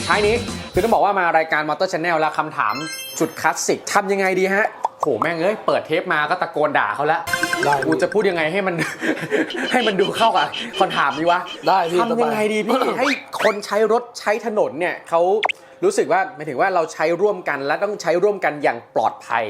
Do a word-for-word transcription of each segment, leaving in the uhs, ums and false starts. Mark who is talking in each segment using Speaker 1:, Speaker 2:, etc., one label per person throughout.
Speaker 1: ท้ายนี้คือต้องบอกว่ามารายการ Motor Channel แล้วคำถามจุดคลาสสิกทำยังไงดีฮะโหแม่งเอ้ยเปิดเทปมาก็ตะโกนด่าเขาแล้วกูจะพูดยังไงให้มัน ให้มันดูเข้ากับคำถามนี้วะ
Speaker 2: ได้พี่
Speaker 1: ทำยังไงดีพี่ ให้คนใช้รถใช้ถนนเนี่ยเขารู้สึกว่าหมายถึงว่าเราใช้ร่วมกันและต้องใช้ร่วมกันอย่างปลอดภัย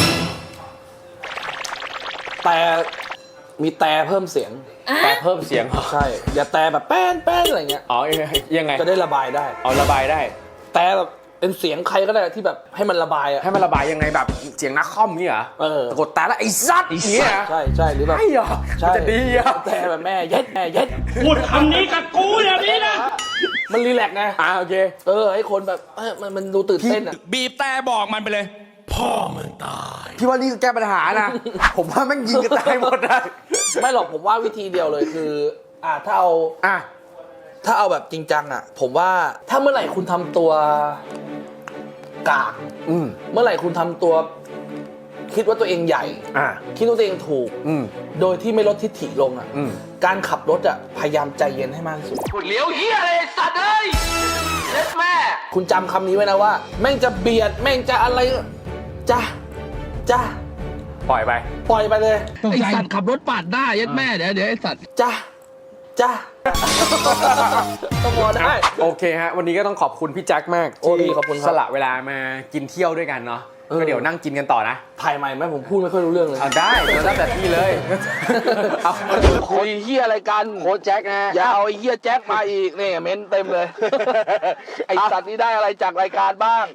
Speaker 2: แต่มีแต่เพิ่มเสียง
Speaker 1: แต่เพิ่มเสียง
Speaker 2: ใช่อย่าแต่แบบแป้นแป้นอะไรเงี้ย
Speaker 1: อ๋อยังไง
Speaker 2: จะได้ระบายได้
Speaker 1: เอาระบายได้
Speaker 2: แต่แบบเป็นเสียงใครก็ได้ที่แบบให้มันระบายอะ
Speaker 1: ให้มันระบายยังไงแบบเสียงนักคอมนี่เหรอ
Speaker 2: เออ
Speaker 1: กดแต่ละไอ้ซัดอย่างเงี้ย
Speaker 2: ใช่ใช่หรือแบบ
Speaker 1: ใช่เหรอ
Speaker 2: ใช่
Speaker 1: จะดีอ่ะ
Speaker 2: แต่แบบแม่เย็ดแม่เย็ด
Speaker 3: พูดคำนี้กับกูอย่างนี้นะ
Speaker 2: มันรีแลกซ์ไง
Speaker 1: อ่าโอเค
Speaker 2: เออให้คนแบบเออมันมันดูตื่นเต้นอะ
Speaker 3: บีบแต่บอกมันไปเลย พ่อมึงตาย
Speaker 1: พี่ว่านี่คือแก้ปัญหานะ ผมว่าแม่งยิงกันตายหมดได้
Speaker 2: ไม่หรอกผมว่าวิธีเดียวเลยคืออ่าถ้าเอา
Speaker 1: อ่ะ
Speaker 2: ถ้าเอาแบบจริงจังอ่ะ ผมว่าถ้าเมื่อไหร่คุณทำตัวกาก
Speaker 1: อืม
Speaker 2: เมื่อไหร่คุณทำตัว คิดว่าตัวเองใหญ่
Speaker 1: อ่ะ
Speaker 2: คิดว่าตัวเองถูก
Speaker 1: อืม
Speaker 2: โดยที่ไม่ลดทิฐิลงอ่ะ
Speaker 1: อืม
Speaker 2: การขับรถอ่ะพยายามใจเย็นให้มากที่สุด
Speaker 4: เลี้ยวเฮียอะไรสัตว์เอ้ยเล็ดแม่
Speaker 2: คุณจำคำนี้ไว้นะว่า แม่งจะเบียดแม่งจะอะไรจ้าจ้า
Speaker 1: ปล่อยไป
Speaker 2: ปล่อยไปเลย
Speaker 5: ไอสัตว์ขับรถปาดหน้ายัดแม่เดี๋ยวเดี๋ยวไอสัตว์
Speaker 2: จ้าจ้าต้องพอได้
Speaker 1: โอเคฮะ วันนี้ก็ต้องขอบคุณพี่แจ็คมาก
Speaker 2: โอ้
Speaker 1: ที่
Speaker 2: ดีขอบคุณครับ
Speaker 1: สละเวลามากินเที่ยวด้วยกันเนาะ
Speaker 2: เออ
Speaker 1: ก็เดี๋ยวนั่งกินกันต่อนะ
Speaker 2: ถ่ายใหม่ไหมผมพูดไม่ค่อยรู้เรื่องเลย
Speaker 1: เอาได้แล้วแต่พี่เลยเอา
Speaker 4: คุยเฮียอะไรกันโค้ชแจ็คนะอย่าเอาไอ้เฮียแจ็คมาอีกเนี่ยเม้นเต็มเลย ไอสัตว์นี่ได้อะไรจากรายการบ้าง